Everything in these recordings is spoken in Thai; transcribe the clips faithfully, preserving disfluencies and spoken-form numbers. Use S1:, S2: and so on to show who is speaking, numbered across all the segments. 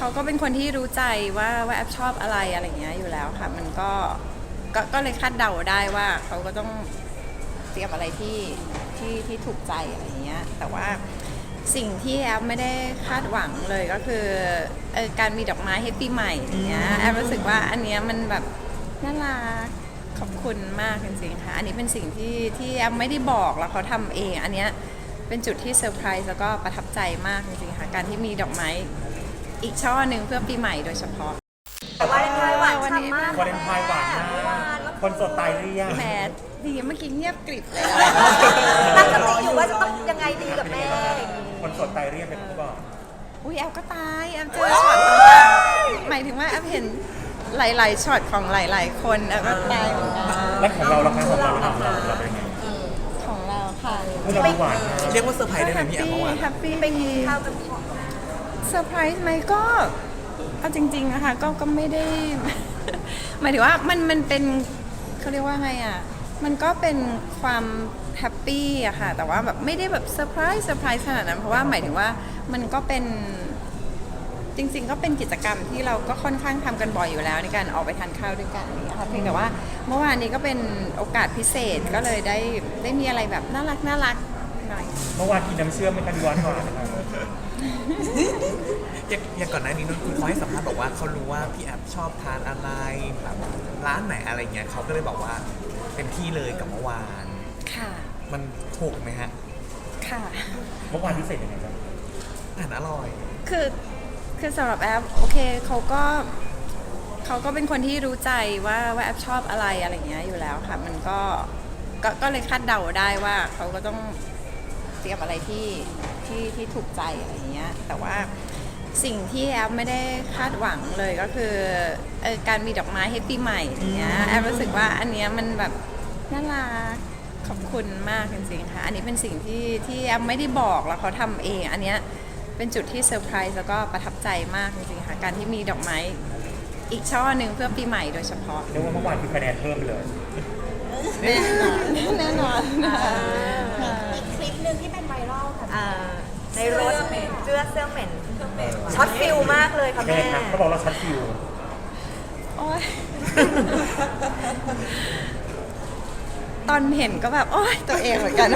S1: เขาก็เป็นคนที่รู้ใจว่าว่าแอปชอบอะไรอะไรเงี้ยอยู่แล้วค่ะมันก็ก็ก็เลยคาดเดาได้ว่าเขาก็ต้องเตรียมอะไรที่ที่ที่ถูกใจอะไรเงี้ยแต่ว่าสิ่งที่แอปไม่ได้คาดหวังเลยก็คือเออการมีดอกไม้ให้ปีใหม่อย่างเงี้ยแอปรู้สึกว่าอันเนี้ยมันแบบน่ารักขอบคุณมากจริงๆค่ะอันนี้เป็นสิ่งที่ที่แอปไม่ได้บอกแล้วเขาทำเองอันเนี้ยเป็นจุดที่เซอร์ไพรส์แล้วก็ประทับใจมากจริงๆค่ะการที่มีดอกไม้อีกช่อหนึ่งเพื่อปีใหม่โดยเฉพาะ
S2: วาเลนไทน์หวานฉ่ำมาก
S3: วาเลนไทน์หวานมากคนสดตายหรือยัง
S1: แหมดีเมื่อกี้เงียบกริบเลย
S2: ตั้งสติอยู่ว่าจะต้องยังไงดีกับแม่
S3: คนสดตายหรือยังเป็นผู้บอก
S1: อุ้ยแอปก็ตายแอปเจอช็อตหมายถึงว่าแอปเห็นหลายๆช็อตของหลายๆคนแอปก็ตายเหมือนกัน
S3: และของเราล่ะคะของเราล่ะของเราเราเป็นยังไง
S1: ของเราค่ะ
S3: เราหวานมาก
S4: เรียกว่าเซอร์ไพรส์ได้ไหมพี่แอมเมื่อวาน
S1: แฮปปี้
S2: ไปกินข้าวกันก่อน
S1: เซอร์ไพรส์ไหมก็เอาจริงๆนะคะก็ก็ไม่ได้ หมายถึงว่ามันมันเป็นเขาเรียกว่าไงอ่ะมันก็เป็นความแฮปปี้อะค่ะแต่ว่าแบบไม่ได้แบบเซอร์ไพรส์เซอร์ไพรส์ขนาดนั้นเพราะว่าหมายถึงว่ามันก็เป็นจริงๆก็เป็นกิจกรรมที่เราก็ค่อนข้างทำกันบ่อยอยู่แล้วในการออกไปทานข้าวด้วยกันนี่ค่ะเพียงแต่ว่าเมื่อวานนี้ก็เป็นโอกาสพิเศษก็เลยได้ได้มีอะไรแบบน่ารักน่ารักหน่อย
S3: เมื่อวานกินน้ำเชื่อมไม่ทันหวานหวานนะครับ
S4: อย่างอย่างก่อนหน้านี้นนคุณเขาให้สัมภาษณ์บอกว่าเขารู้ว่าพี่แอฟชอบทานอะไรแบบร้านไหนอะไรเงี้ยเขาก็เลยบอกว่าเต็มที่เลยกับเมื่อวาน
S1: ค่ะ
S4: มันถูกไหมฮะ
S1: ค่ะ
S3: เมื่อวานพิเศษยังไงบ้าง
S4: อาหารอร่อย
S1: คือคือสำหรับแอปโอเคเขาก็เขาก็เป็นคนที่รู้ใจว่าว่าแอปชอบอะไรอะไรเงี้ยอยู่แล้วค่ะมันก็ก็ก็เลยคาดเดาได้ว่าเขาก็ต้องเตรียมอะไรที่ที่ที่ถูกใจอะไรเงี้ยแต่ว่าสิ่งที่แอปไม่ได้คาดหวังเลยก็คือเออการมีดอกไม้ให้ปีใหม่อย่างเงี้ยแอปรู้สึกว่าอันเนี้ยมันแบบน่ารักขอบคุณมากจริงๆค่ะอันนี้เป็นสิ่งที่ที่แอปไม่ได้บอกแล้วเขาทำเองอันเนี้ยเป็นจุดที่เซอร์ไพรส์แล้วก็ประทับใจมากจริงๆค่ะการที่มีดอกไม้อีกช่อหนึ่งเพื่อปีใหม่โดยเฉพาะ
S3: เรียกว่าเมื่อวานคือคะแนนเพิ่มไปเลย
S1: แน่นอนแน่นอนค่ะ
S5: อีกคลิปหนึ่งที่เป็นไวรัลค่ะ
S2: อ่าในรถเสื้อเสื้อเหม็นช็อตฟิลมากเลยค่ะ
S3: แม่
S2: แม่
S3: ครับเขาบอกเราชัดฟิว
S1: โอ๊ยตอนเห็นก็แบบโอ๊ยตัวเองเหมือนกัน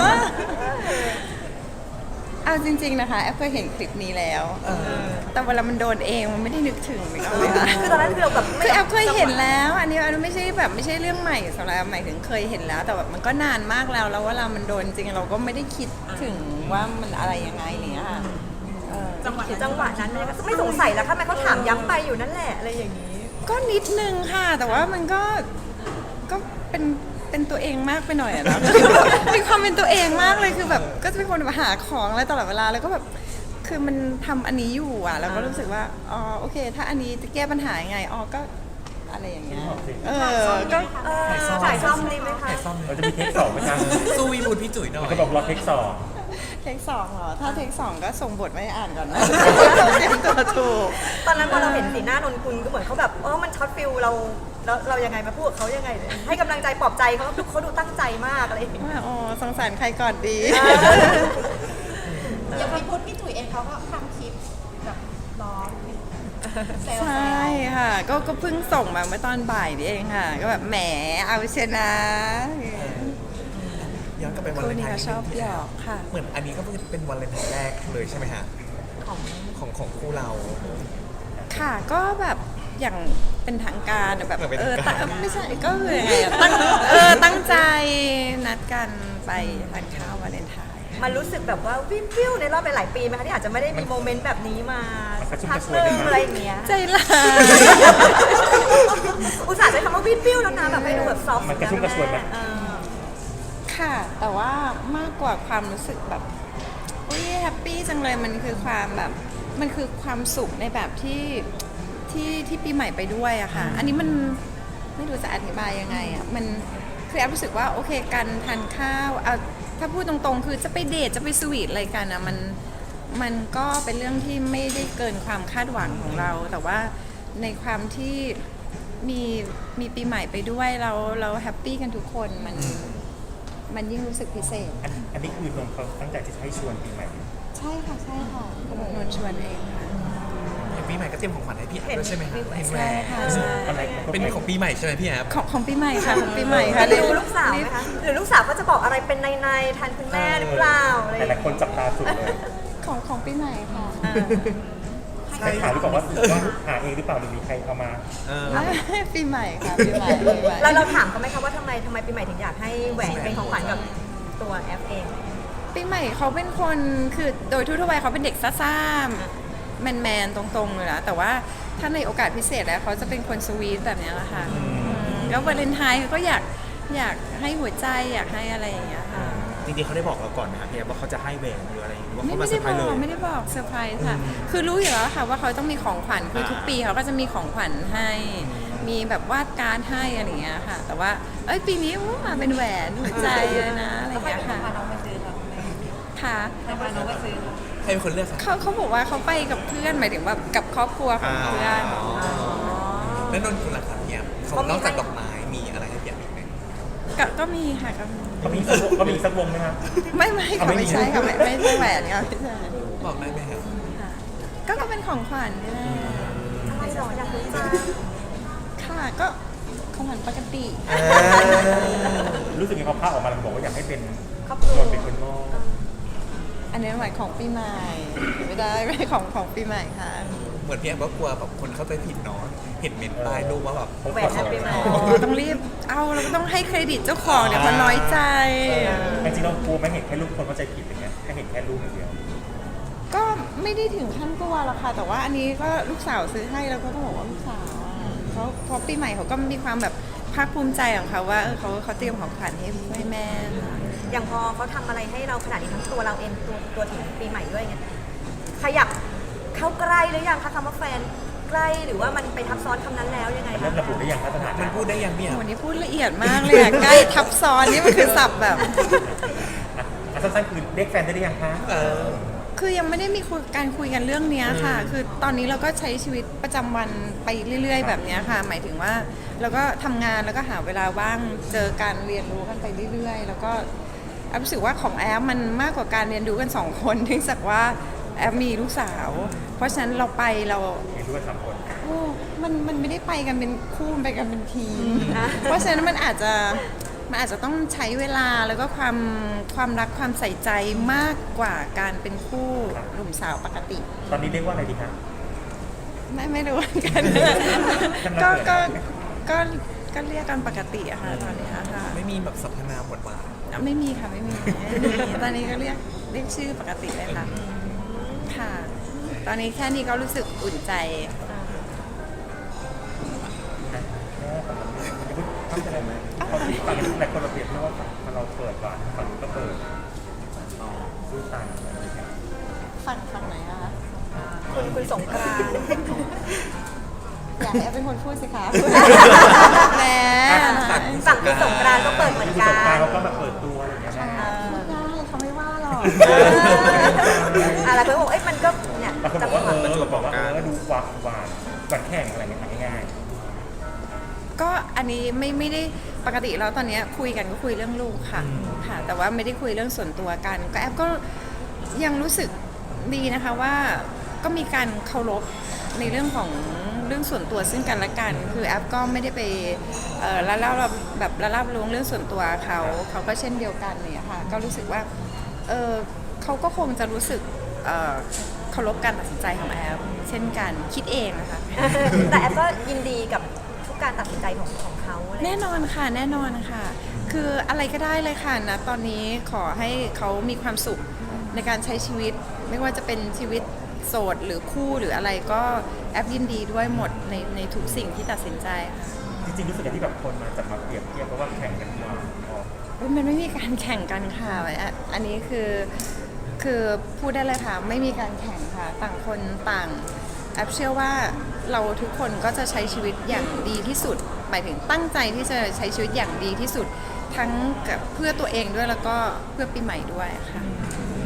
S1: เอาจริงๆนะคะแอปเคยเห็นคลิปนี้แล้วแต่เวลามันโดนเองมันไม่ได้นึกถึงเลยค่ะ
S2: คือตอนนั้นคือเราแบบ
S1: คือแอปเคยเห็นแล้ว อันนี้อันนี้ไม่ใช่แบบไม่ใช่เรื่องใหม่สำหรับแอปหมายถึงเคยเห็นแล้ว แต่แบบมันก็นานมากแล้วแล้วเวลามันโดนจริงเราก็ไม่ได้คิดถึงว่ามันอะไรยังไงเนี่ยค่ะเออ
S2: จังหวะจังหวะนั้นเลยไม่สงสัยแล้วค่ะแม่เขาถามย้ำไปอยู่นั่นแหละอะไรอย่างนี้
S1: ก็นิดนึงค่ะ แต่ว่ามันก็ก็เป็นเป็นตัวเองมากไปหน่อยอะนะ มีความเป็นตัวเองมากเลยคือแบบก็จะเป็นคนแบบหาของอะไรตลอดเวลาแล้วก็แบบคือมันทำอันนี้อยู่อ่ะแล้วก็รู้สึกว่าอ๋อโอเค ถ้าอันนี้จะแก้ปัญหายังไงอ๋อก็อะไรอย่างเงี้ยเออก็
S2: เออถ่ายซ่อมดีไหมคะ
S4: ไข่ซ่อม
S3: เราจะมีเทคสองไหมครับ
S4: สู้วีบูดพี่จุ๋ยหน่อย
S3: เขาบอกรอเทคสอง
S1: เทคสองเหรอถ้าเทคสองก็ส่งบทไม่อ่านก่อนนะ เตรียมตัวถูก
S2: ตอนนั้นพอเราเห็นสีหน้านนคุณก็เหมือนเขาแบบเออมันช็อตฟิลเราแล้วเรายังไงมาพูดกับเขายังไง ให้กำลังใจปลอบใจเขาเขาดูตั้งใจมากอะไรอย่างเงี้ย
S1: ว่าอ๋อสงสารใครก่อนดี
S5: อย่างพี่พุทธพี่จุ๋ยเองเขาก็ทำคลิปแบบล้อเซลล์
S1: ใช่ค่ะก็ก็เพิ่งส่งมาเมื่อตอนบ่ายนี่เองค่ะ ก็แบบแหมเอาเชยวนะ
S4: ย้อนกลับไปวัน
S1: คู่
S4: เลน
S1: นี้
S4: ไทน์
S1: ก็ชอบหยอกค่ะ
S4: เหมือนอันนี้ก็เป็นวันเลนไทน์แรกเลยใช่ไหมฮะของของของคู่เรา
S1: ค่ะก็แบบอย่างเป็นทางการอะแบบ
S4: แบบเป็น
S1: เออ
S4: ทางการ
S1: ตั้งไม่ใช่ก็คือยังไงอะตั้งเออตั้งใจนัดกันไปทานข้าววาเลนไทน์
S2: มันรู้สึกแบบว่าวิววิวในรอบหลายๆปีไหมคะที่อาจจะไม่ได้มีโมเมนต์แบบนี้มาพักหนึงอะไรอย่างเงี้ย
S1: ใจร้าย
S2: อุตส่าห์ใช้คำว่าวิววิวแล้วนะแบบให้ดูแบบซอฟต์
S3: มันกระชุ่มกระชวยไหม
S2: เออ
S1: ค่ะ แต่ว่ามากกว่าความรู้สึกแบบอุ้ยแฮปปี้จังเลยมันคือความแบบมันคือความสุขในแบบที่ที่ที่ปีใหม่ไปด้วยอะค่ะ อันนี้มันไม่รู้จะอธิบายยังไงอะมันคือแอบรู้สึกว่าโอเคการทานข้าวเอาถ้าพูดตรงๆ คือจะไปเดทจะไปสวีทอะไรกันอะมันมันก็เป็นเรื่องที่ไม่ได้เกินความคาดหวังของเรา แต่ว่าในความที่มีมีปีใหม่ไปด้วยเราเราแฮปปี้กันทุกคนมันมันยิ่งรู้สึกพิเศษ
S3: อันอันนี้คือนนท์เขาตั้งใจที่จะให้ชวนปีใหม่
S1: ใช่ค่ะใช่ค่ะนนท์ชวนเองค่ะ
S4: อย่างปีใหม่ก็เตรียมของขวัญให้พี่แอฟด้วยใช่ไหมครับเห็นแหว
S1: ใช่
S4: น
S1: ค่ะ
S3: อะไร
S4: เป็นของปีใหม่ใช่ไหมพี่แอฟ
S1: ของของปีใหม่ค่ะของปีใหม่ค่ะ
S2: ได้ดูลูกสาวไหมคะหรือลูกสาวก็จะบอกอะไรเป็นในในๆแทนคุณแม่หรือเปล่าอะไรอ
S3: ห
S2: ย่าง
S3: ลาย
S2: เงี้ย
S3: ๆคนจับตาสุดเลย
S1: ของของปีใหม่ค่ะ
S3: ใครถามหรือเปล่าว่าว่าหาเองหรือเปล่าหรือมีใครเอามา
S4: เออ
S1: ปีใหม่ค่ะปีใหม่ปีใหม่
S2: แล้วเราถามเขาไหมคะว่าทำไมทำไมปีใหม่ถึงอยากให้แหวนเป็นของขวัญกับตัวแอฟเอง
S1: ปีใหม่เขาเป็นคนคือโดยทั่วๆไปเขาเป็นเด็กซ่าๆแมนๆตรงๆเลยนะแต่ว่าถ้าในโอกาสพิเศษแล้วเขาจะเป็นคนสวีทแบบนี้แหละค่ะอืมแล้ววาเลนไทน์เขาก็อยากอยากให้หัวใจอยากให้อะไรอย่างเงี้ยค่ะ
S6: จริงๆเขาได้บอกเราก่อนนะครับพี่แอฟว่าเขาจะให้แหวนหรืออะไรหรือว่า
S1: ไม่
S6: เขามา
S1: ไม่
S6: เซอ
S1: ได้
S6: ร์ไพร
S1: บ
S6: ส์
S1: อก
S6: เลย
S1: ไม่ได้บอกเซอร์ไพรส์ค่ะ คือรู้อยู่แล้วค่ะว่าเขาต้องมีของขวัญคือทุกปีเขาก็จะมีของขวัญให้ มีแบบวาดการ์ดให้อะไรอย่างเงี้ยค่ะ แต่ว่าเอ้ยปีนี้อู้มาเป็นแหวนหัวใจเลยนะอะไรอย่างเงี้ยค่ะ
S5: พาน้องไปซื้อเราไหม
S1: ค่ะ
S5: ให้พาน้องไปซื้อเรา
S4: ใครเป็นคนเลือกครับ
S1: เขาเขาบอกว่าเขาไปกับเพื่อนหมายถึงแบบกับครอบครัวของเพื่อน
S4: อ๋อแล้วนนท์คุณล่ะครับพี่แอฟเขานอกจากดอกไม้มีอะไรให้พี่แอฟอีกไหม
S1: ก็ก็มีค่ะก็มี
S3: เขามีสักวงเขามีสักวงไหมครับ
S1: ไม่ไม่
S3: เอา
S1: ค่ะ
S3: ไม่มี
S1: ไม่ใช่ค่ะไม่ไม่ใช่แหวนค่ะไม่ใช่
S4: บอกได้ไหมครับ
S1: ค่ะก็ก็เป็นของขวัญนี่แหละ
S2: อะไรหรออยากรู้จัง
S1: ค่ะก็ของขวัญปกติ
S3: รู้สึกยังไงพอภาพออกมาแล้วบอกว่าอยากให้เป็น
S2: ครอบครั
S3: น
S2: วน
S3: เป็นคนมอบ
S1: อันนี้หมายของปีใหม่ไม่ได้ไม่ของของปีใหม่ค่ะ
S4: เหมือนพี่แอฟก็กลัวแบบคนเข้าใจผิดเนาะเห็นเมนต์ใต้รูปว่าแบบ
S2: แหวนแฮปปี้แมน
S1: อ๋อต้องรีบเอาเราก็ต้องให้เครดิตเจ้าของเดี๋ยวเขาน้อยใจ
S3: จริงๆเรากลัวไหม่เห็นแค่รูปคนเข้าใจผิดอย่างเงี้ยแค่เห็นแค่รูปอย่างเดียว
S1: ก็ไม่ได้ถึงขั้นกลัวหรอกค่ะ แต่ว่าอันนี้ก็ลูกสาวซื้อให้แล้วก็ต้องบอกว่าลูกสาวอะเขาเพราะปีใหม่เขาก็มีความแบบภาคภูมิใจของเขาว่าเออเขาเขาเตรียมของขวัญให้ให้แม่ค่ะ
S2: อย่างพอเขาทำอะไรให้เราขนาดนี้ทั้งตัวเราเองตัวตัวถึงปีใหม่ด้วยไงขยับเข้าใกล้หรือยังคะคำว่าแฟนใกล้หรือว่ามันไปทับซ้อนคำนั้นแล้วยังไง
S3: เริ่
S2: คะ
S3: มระบุได้ยังมาตรฐาน
S4: มันพูดได้ยังพี่แอฟ
S1: วันนี้พูดละเอียดมากเลยอะใกล้ทับซ้อนนี่มันคือศัพท์แบบ
S3: อ่ะสั้นๆคือเรียกแฟนได้หรือยังคะ
S4: เออ
S1: คือยังไม่ได้มีคุยการคุยกันเรื่องเนี้ยค่ะ คือตอนนี้เราก็ใช้ชีวิตประจำวันไปเรื่อย ๆ แบบเนี้ยค่ะ หมายถึงว่าเราก็ทำงานแล้วก็หาเวลาว่างเจอการเรียนรู้กันไปเรื่อย ๆ แล้วก็แอฟรู้สึกว่าของแอฟมันมากกว่าการเรียนรู้กันสองคนเนื่องจากว่าแอฟมีลูกสาว เพราะฉะนั้นเราไปเรา
S3: เห็นด้วยสามคน
S1: โอ้มันมันไม่ได้ไปกันเป็นคู่มันไปกันเป็นทีม เพราะฉะนั้นมันอาจจะมันอาจจะต้องใช้เวลาแล้วก็ความความรักความใส่ใจมากกว่าการเป็นคู่หนุ่มสาวปกติ
S3: ตอนนี้เรียกว่าอะไรดีคะ
S1: ไม่ไม่รู้เหมือนกัน ก็ก็ก็ก็เรียกกันปกติอะค่ะตอนนี้ค่ะ
S4: ไม่มีแบบสรรพนามหมดหวาน
S1: ไม่มีค่ะไม่มีไม่มีตอนนี้ก็เรียกเรียกชื่อปกติเลยค่ะค่ะ ตอนนี้แค่นี้ก็รู้สึกอุ่นใจ
S3: เข้าใจไหมเขาฝั่งนี้หลายคนเราเปรียบเทียบว่าฝั่งเราเปิดก่อนฝั่งนู้นก็เปิดสู้ตายอะไรอย่างเงี้ย
S1: ฝั่งฝั่งไหนอะคะ
S2: คุณคุณสงกรานต์
S1: อยากให้แอฟเป็นคนพูดสิคะแหม
S2: ฝั่งคุณสงกรานต์ก็เปิดเหมือน
S3: คือ
S2: กั
S3: สงกราร
S2: น
S3: เขาก็แบบเปิดตัวอะไรอย่างเงี้ย
S1: ค่ะ
S3: แม่
S1: พูดได้เขาไม่ว่าหรอก
S2: อะไรเพื่อนบอกเอ้ยมันก็เนี่ย
S3: บางคน
S2: จั
S3: บ
S2: ง
S3: อก
S2: ห
S3: ว่าเอ
S2: วะ
S3: อบอกว่าเออดูหวานหวานหวานแข่งอะไรเงี้ยง่าย
S1: ก็อันนี้ไม่ไม่ได้ปกติแล้วตอนเนี้ยคุยกันก็คุยเรื่องลูกค่ะค่ะ แต่ว่าไม่ได้คุยเรื่องส่วนตัวกัน ก็แอฟก็ยังรู้สึกดีนะคะว่าก็มีการเคารพในเรื่องของเรื่องส่วนตัวซึ่งกันและกัน คือแอฟก็ไม่ได้ไปเอ่อละเล่าแบบละเล่าล้วงเรื่องส่วนตัวเขาเขาก็เช่นเดียวกันเนี่ยค่ะก็รู้สึกว่าเออเขาก็คงจะรู้สึกเอ่อเคารพการตัดสินใจของแอฟเช่นกันคิดเองนะคะ
S2: แต่แอฟก็ยินดีกับทุกการตัดสินใจของของเขาอะไร
S1: แน่นอนค่ะแน่นอนค่ะ คืออะไรก็ได้เลยค่ะนะตอนนี้ขอให้เขามีความสุขในการใช้ชีวิต ไม่ว่าจะเป็นชีวิตโสดหรือคู่หรืออะไรก็แอปยินดีด้วยหมดในในทุกสิ่งที่ตัดสินใจค่ะ
S3: ๆจริงๆรู้สึกอย่างที่แบบคนมาจับมาเปรียบเทียบเพราะว่าแข่งกันมาอ๋อ
S1: เฮ้ยมันไม่มีการแข่งกันค่ะอ่ะอันนี้คือคือพูดได้เลยค่ะไม่มีการแข่งค่ะต่างคนต่างแอปเชื่อว่าเราทุกคนก็จะใช้ชีวิตอย่างดีที่สุดหมายถึงตั้งใจที่จะใช้ชีวิตอย่างดีที่สุด ทั้งกับเพื่อตัวเองด้วยแล้วก็เพื่อปีใหม่ด้วยค่ะ